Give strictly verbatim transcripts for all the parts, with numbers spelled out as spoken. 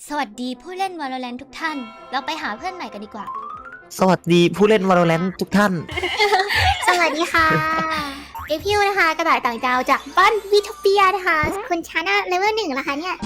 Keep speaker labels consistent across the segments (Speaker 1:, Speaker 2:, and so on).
Speaker 1: สวัสดีผู้เล่น Valorant ทุกท่าน เราไปหาเพื่อนใหม่กันดีกว่า
Speaker 2: สวัสดีผู้เล่น Valorant ทุกท่าน
Speaker 3: สวัสดีค่ะเอพิวนะคะกระต่ายต่างดาวจากบ้านวิทเปียนะคะคุณชานะเลเวลหนึ่งแล้วคะเนี่ย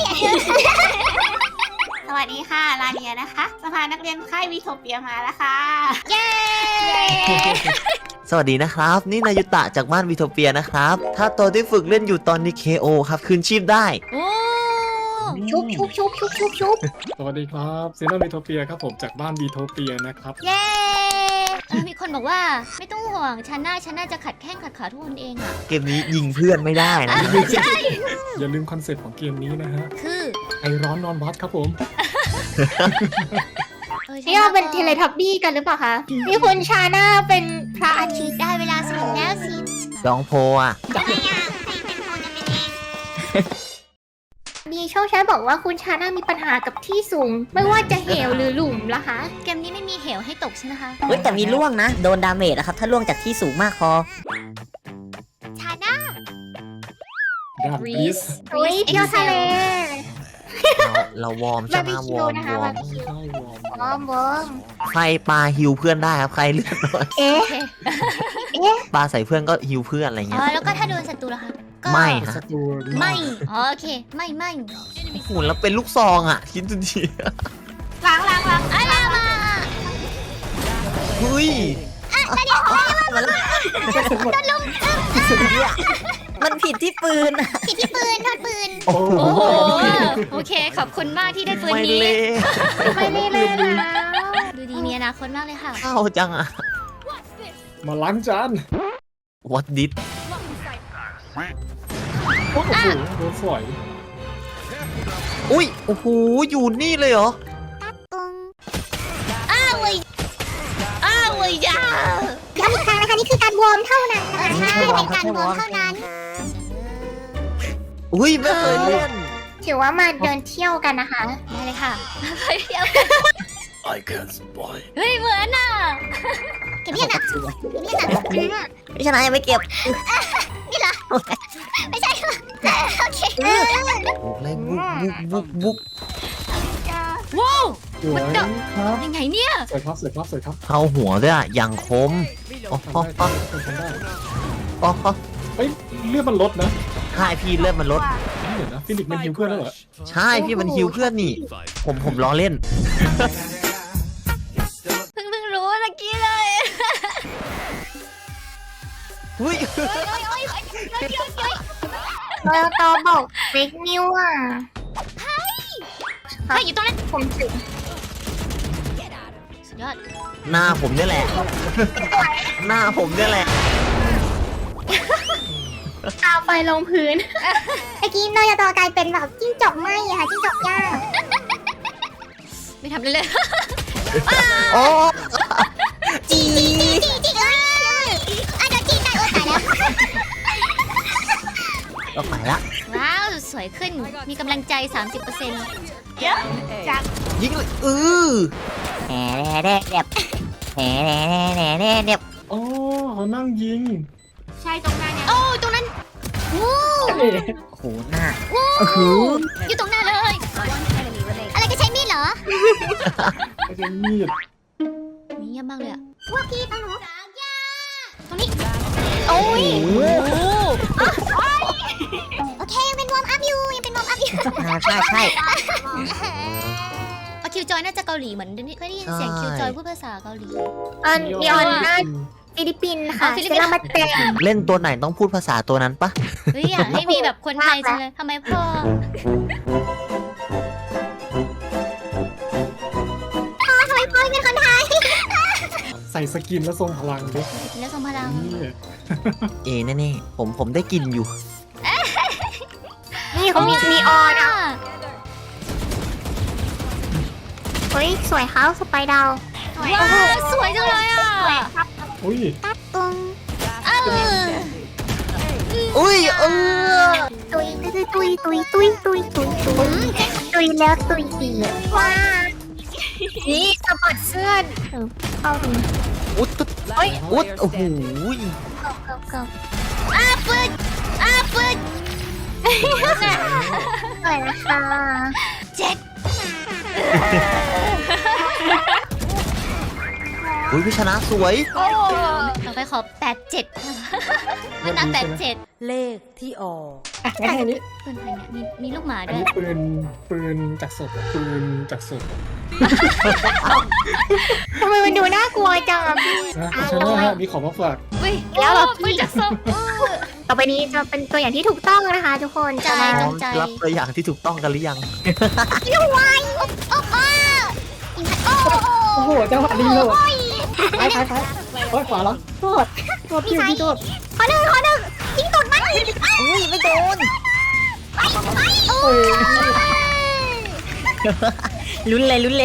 Speaker 3: สวัสดีค่ะลาเนียนะคะสภานักเรียนค่ายวิทเปียมาแล้วค่ะเย้
Speaker 2: สวัสดีนะครับ นี่นายุตะจากบ้านวิโทเปียนะครับ ถ้าตัวที่ฝึกเล่นอยู่ตอนนี้ เค โอ ครับคืนชีพได้
Speaker 1: โอ้
Speaker 3: ชุบชุบชุบชุบชุบชุบ
Speaker 4: สวัสดีครับซีน่าบีโทเปียครับผมจากบ้านบีโทเปียนะครับ
Speaker 1: เย้เออมีคนบอกว่าไม่ต้องห่วงฉันน่าฉันน่าจะขัดแข้งขัดขาทุกคนเองอะ
Speaker 2: เกมนี้ยิงเพื่อนไม่ได้นะ
Speaker 1: ใช่
Speaker 4: อย่าลืมคอนเซ็ปต์ของเกมนี้นะฮะ
Speaker 1: คือ
Speaker 4: ไอร้อนนอนวัดครับผม
Speaker 1: เออฉั
Speaker 3: นี่เราเป็น
Speaker 1: ก็
Speaker 3: เทเลทับบี้กันหรือเปล่าคะนี่คุณชาน่าเป็นพระอาทิตย์
Speaker 1: ได้เวลาสนุกแล้วสิ
Speaker 2: ดองโพอ่ะ
Speaker 3: ทำไมอ่ะใครเป็นคนจะเป็นเองมีช่องแชทบอกว่าคุณชาน่ามีปัญหากับที่สูง ไม่ว่าจะเหวหรือหลุมละคะ
Speaker 1: เกมนี้ไม่มีเหวให้ตกใช่ไหมคะ
Speaker 5: เฮ้ยแต่มีล่วงนะ โดนดาเมจนะครับ ถ้าล่วงจากที่สูงมากพอ
Speaker 1: ชาน่า
Speaker 4: ดาบริส
Speaker 3: เฮ้ยเที่ยวทะเล
Speaker 2: เราเราวอร์มใช่ไหม
Speaker 3: บาร์บีคิ
Speaker 2: ว
Speaker 3: ว
Speaker 2: อร์ม
Speaker 3: นะคะ
Speaker 2: วอร์ม
Speaker 3: บาร์บีคิว
Speaker 4: ใช่วอร์ม
Speaker 3: บอมบอม
Speaker 2: ใครปาฮิวเพื่อนได้ครับ ใครเลือดน้อย
Speaker 3: เอ๊ะ
Speaker 1: โอเค
Speaker 2: ปาใส่เพื่อนก็ฮิวเพื่อนอะไร
Speaker 1: อ๋
Speaker 2: เงี้ย
Speaker 1: อแล้วก็ถ้าโดนศัตรูล่ะคะก็
Speaker 2: ไม่ฮะ
Speaker 4: ศัตรู
Speaker 1: ไม่อ๋อโอเคไม่ไม่
Speaker 2: โอ้โหแล้วเป็นลูกซองอ่ะ คิดดูดิ
Speaker 3: ล้างล้างล้าง
Speaker 1: อะไรมา
Speaker 2: เฮ้ย
Speaker 5: มันผิดที่ปืน
Speaker 3: ผิดที่ปืนโทษปืน
Speaker 4: โอ้
Speaker 1: โอ้
Speaker 4: โห
Speaker 1: โหโอเคขอบคุณมากที่ได้ปืน
Speaker 2: ไม่
Speaker 1: นี้
Speaker 2: เละ
Speaker 3: ไม่ได้เลยนะ
Speaker 1: ดูดีมีอนาคตมากเลยค่ะ
Speaker 2: เข้าจังอ่ะ
Speaker 4: มาล้างจาน
Speaker 2: What did
Speaker 4: โอ้โหโดนสวย
Speaker 2: อุ้ยโอ้โหอยู่นี่เลยเหรอ
Speaker 1: อ้าวเว้ยอ้าวเว้ยยา
Speaker 3: ย้ำอีกครั้งนะคะนี่คือการวอร์มเท่านั้นนะคะ
Speaker 2: ใช่
Speaker 3: เป็นการวอร์มเท่านั้น
Speaker 2: อุ้ยไม่เคยเล่น
Speaker 3: ถือว่ามาเดินเที่ยวกันนะคะ
Speaker 1: ได้เลยค่ะไปเที่ยว
Speaker 4: I can't spy
Speaker 1: เฮ้ยเหมือนอ่ะ
Speaker 3: เก็บเรียนอ่ะเก็บเรียนอ่ะ
Speaker 5: พี่ชนะยังไม่เก็บ
Speaker 3: ไม่ใช่โอเค
Speaker 2: บุกเลยบุกบุกบุกบุก
Speaker 1: ว้าว
Speaker 4: สวยครับ
Speaker 1: ยังไงเนี่ย
Speaker 4: สวยครับสวยครับสวยครับ
Speaker 2: เข้าหัวด้วยอ่ะอย่างคมอ๋อ
Speaker 4: ทำ
Speaker 2: อ๋อ
Speaker 4: ได้
Speaker 2: อ๋อ
Speaker 4: ทำได้
Speaker 2: อ๋อ
Speaker 4: เฮ้ยเลือดมันลดนะ
Speaker 2: ใช่พี่เลือดมันลด
Speaker 4: เดี๋ยวนะฟินิกมันฮิวเพื่อนแล้วเหรอ
Speaker 2: ใช่พี่มันฮิวเพื่อนนี่ ผมผมล้อเล่น
Speaker 1: เพิ่งเพิ่งรู้ตะกี้เลย
Speaker 2: อุ้ย
Speaker 3: เราตอบอกเฟกนิวอ่ะ
Speaker 1: เฮ้ยอยู่ตรงนั้น
Speaker 3: ผมถึง
Speaker 1: สุดยอด
Speaker 2: หน้าผมเนี่ยแหละ หน้าผมเนี่ยแหละ
Speaker 3: เอาไฟลงพื้นเมื่อกี้นอยตอกลายเป็นแบบจิ้งจอกไหมอะค่ะจิ้งจอกย่าง
Speaker 1: ไม่ทำเลยเลย
Speaker 2: โอ้
Speaker 3: จีจีจีเอ้ยอ่ะเดี๋ยวจีได้โอ้ตายแล้ว
Speaker 2: เราไปละ
Speaker 1: ว้าวสวยขึ้นมีกำลังใจ สามสิบเปอร์เซ็นต์
Speaker 2: ยิงเลยเออ
Speaker 5: แหน่แน่เด็บแหน่แน่แน่เด็บ
Speaker 4: อ๋อเขานั่งยิง
Speaker 3: ใช่ตรงหน้าเนี่ย
Speaker 1: โอ้ตรงนั้นวู้
Speaker 5: โอ้โหหน้า
Speaker 1: วู้อยู่ตรงหน้าเลย อะไรก็ใช้มีดเหรอ
Speaker 4: ไม่ใช่มีด
Speaker 1: เงียบมากเลยอะ
Speaker 3: พวกพี่ต้องรู้
Speaker 1: ตรงนี้โอ้ย
Speaker 3: โอเคยังเป็นวอร์มอัพอยู่ยังเป็นวอร์มอัพอยู่
Speaker 5: อ่าใช่ใช่
Speaker 1: เอาคิวจอยน่าจะเกาหลีเหมือนเคยได้ยินเสียงคิวจอยพูดภาษาเกาหลี
Speaker 3: เออนีออนน่าฟิลิปปินส์ค่ะ
Speaker 1: อ๋อฟิลิปปินส์
Speaker 3: เซรามาเต็ม
Speaker 2: เล่นตัวไหนต้องพูดภาษาตัวนั้นปะ
Speaker 1: เฮ้ยอยากให้มีแบบคนไทยจังเลยทำไมพ่อ
Speaker 3: ทำไมพ่อเป็นคนไทย
Speaker 4: ใส่สกินแล้วทรงพลังดิ
Speaker 1: กินแล้วทรงพลัง
Speaker 4: นี่
Speaker 2: เอแน่ๆผมผมได้กินอยู่
Speaker 3: นี่เขามีนีออนอ่ะเฮ้ยสวยเขาสไปดาว
Speaker 1: ว้าวสวยจังเลยอ่ะ
Speaker 4: อุ้ย
Speaker 3: ตรง
Speaker 1: เออ
Speaker 2: อุ้ยเออ
Speaker 3: ตุยตุยตุยตุยตุยตุยตุยตุยตุยแล้วตุยอีกว้านี่สะบัดเสื้อเออเข้าตรง
Speaker 2: อุ๊ดตุ๊ดอุ๊ดโอ้โห
Speaker 3: เก่าเก่าเก่า
Speaker 1: อ้าปึดอ้าปึด
Speaker 3: สวยนะคะ
Speaker 1: เจ็ด
Speaker 2: อุ้ยพี่ชนะสวย
Speaker 1: ต่อไปขอแปดเจ็ดมันนับแปดเจ็ด
Speaker 6: เลขที่ออก
Speaker 4: อ่ะงั้นอันนี้
Speaker 1: ปืนใครเนี่ยมีมีลูกหมา
Speaker 4: อัน
Speaker 1: ด้วย
Speaker 4: นี้ปืนปืนจากศพปืนจากศพ
Speaker 3: ทำไมมันดูน่ากลัวจังอะพี่
Speaker 4: นะคุณชนะฮะมีของมาฝาก
Speaker 1: อุ้ย
Speaker 3: แล้วเหรอพี่
Speaker 1: ปืนจากศพ
Speaker 3: ต่อไปนี้จะเป็นตัวอย่างที่ถูกต้องนะคะ ทุกคน
Speaker 1: ใจ
Speaker 3: จะมา
Speaker 1: ตรงใจ
Speaker 2: รับตัวอย่างที่ถูกต้องกันหรือยัง
Speaker 4: โอ้โหจังหวะนี้เลยไปไปไปโอ้ยขวาแล้วโทษโทษพี่พี่โทษ
Speaker 3: ขอหนึ่งขอหนึ่งยิงตกมัน
Speaker 5: อุ้ยไม่โดน
Speaker 4: โอ้ย
Speaker 5: ลุ้นเลยลุ้นเลย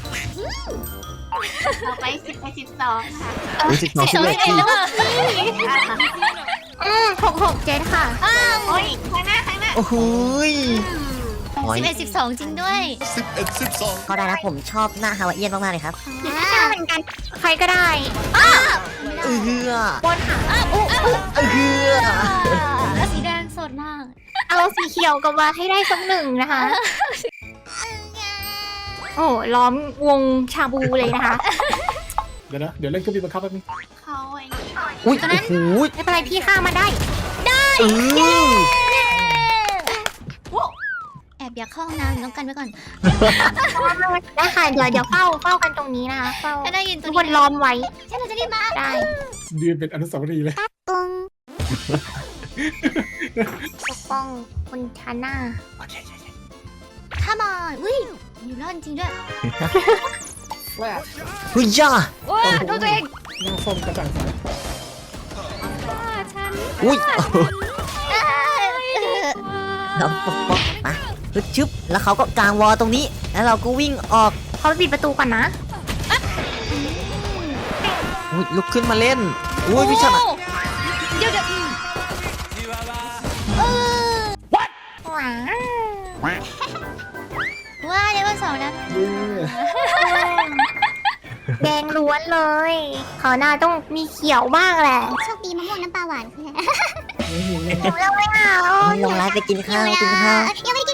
Speaker 3: ต่อไปสิบไปสิบสองค่ะ
Speaker 2: อุ้ยสิบสองสิบเอ็ด
Speaker 1: เอ็ดแล้วอ่ะ
Speaker 3: อืมหกหกเจ็ดค่ะโอ้ยข้างหน้าข้างหน้า
Speaker 2: โอ้โหย
Speaker 1: สิบเอ็ดสิบสองจริงด้วย
Speaker 5: เขาได้นะผมชอบหน้าฮาวาเอียนมากๆเลยครับ
Speaker 3: ไม่ใช่เหมือนกัน ใครก็ได้
Speaker 2: เออเฮือบ
Speaker 3: นค่ะ
Speaker 2: เออเฮือ
Speaker 1: แล้วสีแดงสดมาก
Speaker 3: เอาสีเขียวกับว่าให้ได้สักหนึ่งนะคะ โอ้ล้อมวงชาบูเลยนะคะ
Speaker 4: เดี๋ยวนะเดี๋ยวเล่นเครื่องบินบังคับแป๊บนึง
Speaker 3: เขาไอ้
Speaker 2: อุ้ยโอ้โหย
Speaker 3: ไม่เป็นไรพี่ฆ่ามาได้
Speaker 2: เออ
Speaker 1: แอบอยากเข้าห้องน้ำต้องกันไว้ก่อน
Speaker 3: ได้ค่ะเดี๋ยวเดี๋ยวเฝ้าเฝ้ากันตรงนี้นะคะเฝ้า
Speaker 1: ถ้าได้ยินตั
Speaker 3: ทุ
Speaker 1: ว
Speaker 3: กคน
Speaker 1: นี้
Speaker 3: ล้อมไว้
Speaker 1: ฉันจะรีบมา
Speaker 3: ได้
Speaker 4: ยืนเป็นอนุสาวรีย์เลย
Speaker 3: ปงปกป้องคนชาหน้า
Speaker 1: ถ้ามอนอุ้ยอยู่รอดจริงด้วย
Speaker 4: แรก
Speaker 2: เฮ้ยย่า
Speaker 1: ว้าดูตัวเอง
Speaker 4: หน้าส้มกระจ่างใส
Speaker 2: อุ้ย
Speaker 5: เราปกป้องมาฮึดชึบแล้วเขาก็กางวอลตรงนี้ แล้วเราก็วิ่งออก
Speaker 3: เขาไปปิดประตูก่อนนะ
Speaker 2: อุ้ยลุกขึ้นมาเล่นอุ้ยพี่ชนะ
Speaker 1: เดี๋ยวเดี๋ยวเออ
Speaker 3: ว้าว
Speaker 1: ว่าเดี๋ยววันสองนะ
Speaker 4: เย้
Speaker 3: แดงล้วนเลยเขาวหน้าต้องมีเขียวบ้างแหละ
Speaker 1: โชคดีมะม่วงน้ำปลาหวานคือ
Speaker 3: แล้วไม่เอา
Speaker 5: ลงไลฟ์ไปกินข้าวกินข้าว
Speaker 1: ยังไม่ได้กิน